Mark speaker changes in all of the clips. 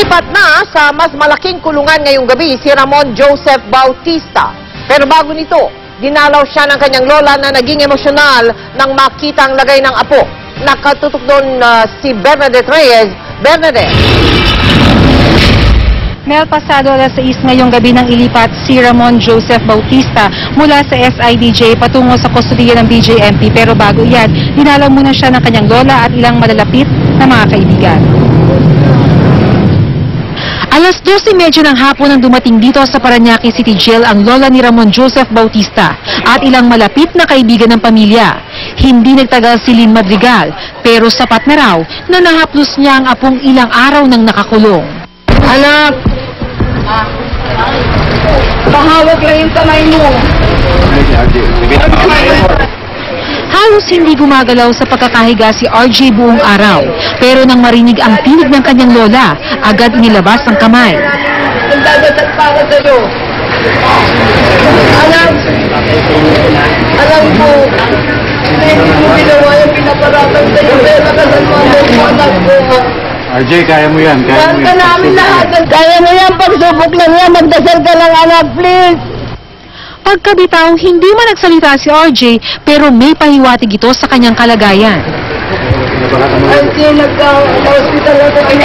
Speaker 1: Lilipat na sa mas malaking kulungan ngayong gabi si Ramon Joseph Bautista. Pero bago nito, dinalaw siya ng kanyang lola na naging emosyonal nang makita ang lagay ng apo. Nakatutok doon si Bernadette Reyes. Bernadette.
Speaker 2: Mel, pasado alas 6 ngayong gabi nang ilipat si Ramon Joseph Bautista mula sa SIDJ patungo sa kustodiya ng BJMP. Pero bago yan, dinalaw muna siya ng kanyang lola at ilang malalapit na mga kaibigan. Alas 12:30 ng hapon nang dumating dito sa Parañaque City Jail ang lola ni Ramon Joseph Bautista at ilang malapit na kaibigan ng pamilya. Hindi nagtagal si Lynn Madrigal, pero sapat na raw na nahaplos niya ang apong ilang araw nang nakakulong.
Speaker 3: Anak! Pahawak lang yung kamay mo.
Speaker 2: Halos hindi gumagalaw sa pagkakahiga si RJ buong araw. Pero nang marinig ang tinig ng kanyang lola, agad inilabas ang kamay.
Speaker 3: Nagdadasal para sa'yo. Alam ko, hindi mo ginawa yung pinaparatang sa'yo. Pero nakasalman mo, anak ko.
Speaker 4: RJ, kaya mo yan. Kaya mo yan.
Speaker 3: Namin lahat. Kaya mo yan, pagsubok lang yan. Magdasal ka lang, anak, please.
Speaker 2: Pagkabitaw, hindi man nagsalita si RJ pero may pahiwatig ito sa kanyang kalagayan.
Speaker 3: RJ, nagka-hospital ako kanya.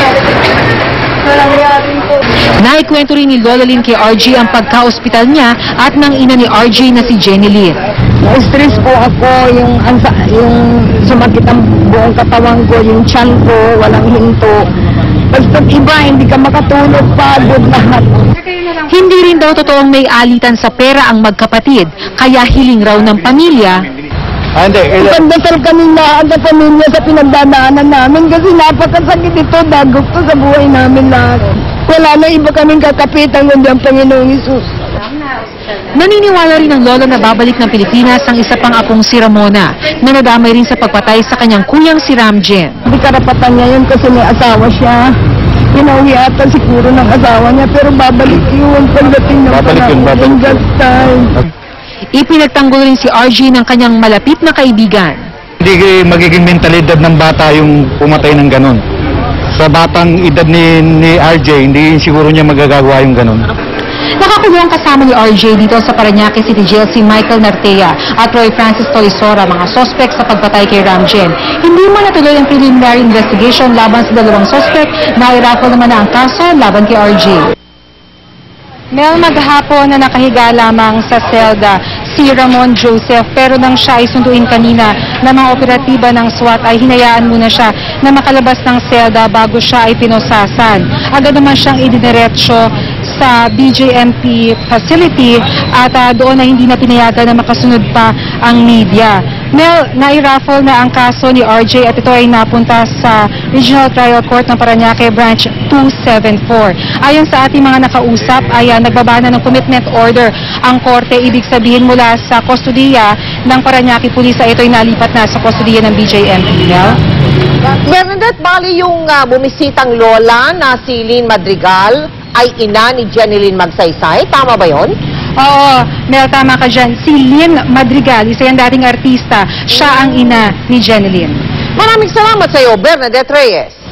Speaker 3: Nangyari po.
Speaker 2: Naikwento rin ni Lola Lynn kay RJ ang pagka-ospital niya at ng ina ni RJ na si Jenny Lynn.
Speaker 3: Na-stress po ako, yung sumakit ang buong katawan ko, yung tiyan ko, walang hinto. Basta iba, hindi ka makatulog, pagod lahat.
Speaker 2: Hindi rin daw totoong may alitan sa pera ang magkapatid, kaya hiling raw ng pamilya.
Speaker 3: Pandasal kami lahat ng pamilya sa pinagdadaanan namin kasi napakasakit ito, dagok to sa buhay namin lahat. Wala na iba kaming kakapitan kundi ang Panginoong Hesus.
Speaker 2: Naniniwala rin ang lola na babalik ng Pilipinas ang isa pang apong si Ramona, na nadamay rin sa pagpatay sa kanyang kuyang si Ramjen.
Speaker 3: Hindi karapatan niya yun kasi may asawa siya. Pinauwi ata siguro ng asawa niya pero babalik yun pagdating ng panahon.
Speaker 2: Ipinagtanggol rin si RJ ng kanyang malapit na kaibigan.
Speaker 4: Hindi magiging mentalidad ng bata yung pumatay ng ganon. Sa batang edad ni RJ, hindi siguro niya magagawa yung ganon.
Speaker 2: Nakakulong kasama ni RJ dito sa Parañaque City Jail si Michael Nartea at Roy Francis Tolisora, mga sospek sa pagpatay kay Ramjen. Hindi man natuloy ang preliminary investigation laban sa dalawang sospek, nairaffle naman na ang kaso laban kay RJ. Mel, maghapon na nakahiga lamang sa selda si Ramon Joseph pero nang siya ay sunduin kanina ng mga operatiba ng SWAT ay hinayaan muna siya na makalabas ng selda bago siya ay pinosasan. Agad naman siyang idiniretso sa BJMP facility at doon na hindi na pinayagan na makasunod pa ang media. Mel, nairaffle na ang kaso ni RJ at ito ay napunta sa Regional Trial Court ng Parañaque Branch 274. Ayon sa ating mga nakausap ay nagbaba na ng commitment order ang korte, ibig sabihin mula sa kustodiya ng Parañaque Police ay ito ay nalipat na sa kustodiya ng BJMP. Mel?
Speaker 1: Bernadette, bali yung bumisitang lola na si Lynn Madrigal ay ina ni Jenny Lynn Magsaysay. Tama ba yon?
Speaker 2: Oo, Mel, tama ka dyan. Si Lynn Madrigal, isa yung dating artista. Siya ang ina ni Jenny Lynn.
Speaker 1: Maraming salamat sa iyo, Bernadette Reyes.